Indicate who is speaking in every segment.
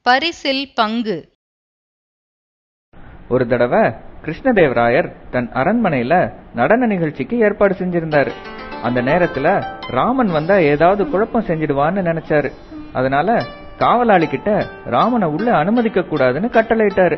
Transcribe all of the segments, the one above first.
Speaker 1: பரிசில் பங்கு.
Speaker 2: ஒரு தடவை கிருஷ்ணதேவராயர் தன் அரண்மனையில நடன நிகழ்ச்சிக்கு ஏற்பாடு செஞ்சிருந்தாரு. அந்த நேரத்துல ராமன் வந்தா ஏதாவது குழப்பம் செஞ்சிடுவான்னு நினைச்சாரு. அதனால காவலாளி கிட்ட ராமனை உள்ள அனுமதிக்க கூடாதுன்னு கட்டளையிட்டாரு.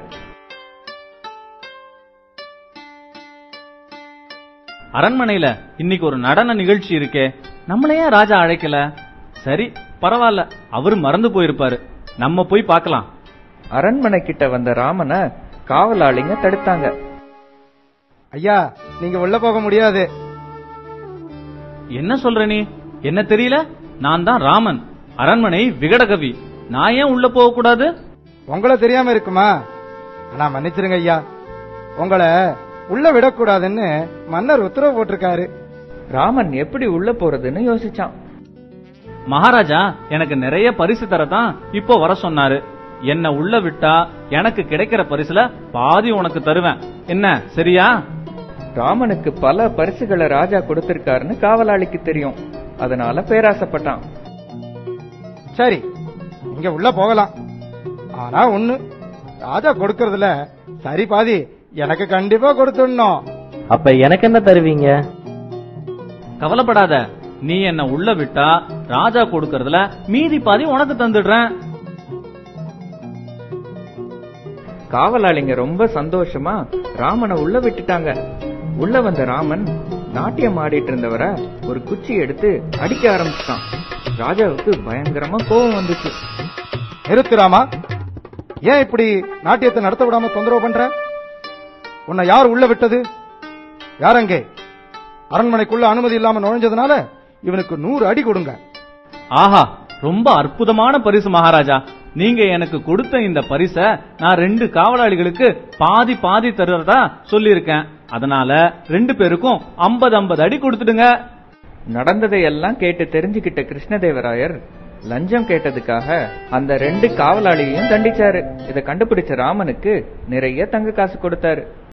Speaker 3: அரண்மனையில இன்னைக்கு ஒரு நடன நிகழ்ச்சி இருக்கே, நம்மளையே ராஜா அழைக்கல. சரி பரவாயில்ல, அவரு மறந்து போயிருப்பாரு, நம்ம போய் பார்க்கலாம்.
Speaker 2: அரண்மனை கிட்ட வந்த ராமனை காவலாளிங்க தடுத்தாங்க.
Speaker 4: ஐயா, நீங்க உள்ள போக முடியாது.
Speaker 3: என்ன சொல்ற நீ? என்ன தெரியல? நான் தான் ராமன், அரண்மனை விகடகவி. நான் ஏன் உள்ள போக கூடாது?
Speaker 4: உங்களை தெரியாம இருக்குமா? ஆனா மன்னிச்சிருங்க ஐயா, உங்களை உள்ள விடக்கூடாதுன்னு மன்னர் உத்தரவு போட்டிருக்காரு.
Speaker 2: ராமன் எப்படி உள்ள போறதுன்னு யோசிச்சான்.
Speaker 3: மகாராஜா எனக்கு நிறைய பரிசு தரதான் இப்போ வர சொன்னாரு. என்ன உள்ள விட்டா எனக்கு கிடைக்கிற பரிசுல பாதி உனக்கு தருவேன். என்ன சரியா?
Speaker 2: ராமனுக்கு பல பரிசுகளை ராஜா கொடுத்திருக்காருன்னு காவலாளிக்கு தெரியும். அதனால பேராசைப்பட்டான்.
Speaker 4: சரி, இங்க உள்ள போகலாம். ஆனா ஒண்ணு, ராஜா கொடுக்கறதுல சரி பாதி எனக்கு கண்டிப்பா கொடுத்துடணும்.
Speaker 5: அப்ப எனக்கு என்ன தருவீங்க?
Speaker 3: கவலைப்படாத, நீ என்ன உள்ள விட்டா ராஜா கொடுக்கறதுல மீதி பாதி உனக்கு தந்துடுறேன்.
Speaker 2: காவலாளிங்க ரொம்ப சந்தோஷமா ராமனை உள்ள விட்டுட்டாங்க. உள்ள வந்த ராமன் நாட்டியம் ஆடிட்டு இருந்தவரை ஒரு குச்சி எடுத்து அடிக்க ஆரம்பிச்சிட்டான். ராஜாவுக்கு பயங்கரமா கோபம் வந்துச்சு.
Speaker 4: நிறுத்து ராமா, ஏன் இப்படி நாட்டியத்தை நடத்த விடாம தொந்தரவு பண்ற? உன்னை யார் உள்ள விட்டது? யார் அங்கே? அரண்மனைக்குள்ள அனுமதி இல்லாம நுழைஞ்சதுனால இவனுக்கு 100 அடி கொடுங்க.
Speaker 3: ஆஹா, ரொம்ப அற்புதமான பரிசு மகாராஜா. நீங்க எனக்கு கொடுத்த இந்த பரிச நான் 2 காவலாளிகளுக்கு பாதி பாதி தருறதா சொல்லியிருக்கேன். அதனால 2 பேருக்கும் 50-50 அடி கொடுத்துடுங்க.
Speaker 2: நடந்ததையெல்லாம் கேட்டு தெரிஞ்சுக்கிட்ட கிருஷ்ணதேவராயர் லஞ்சம் கேட்டதுக்காக அந்த 2 காவலாளியையும் தண்டிச்சாரு. இதை கண்டுபிடிச்ச ராமனுக்கு நிறைய தங்க காசு கொடுத்தாரு.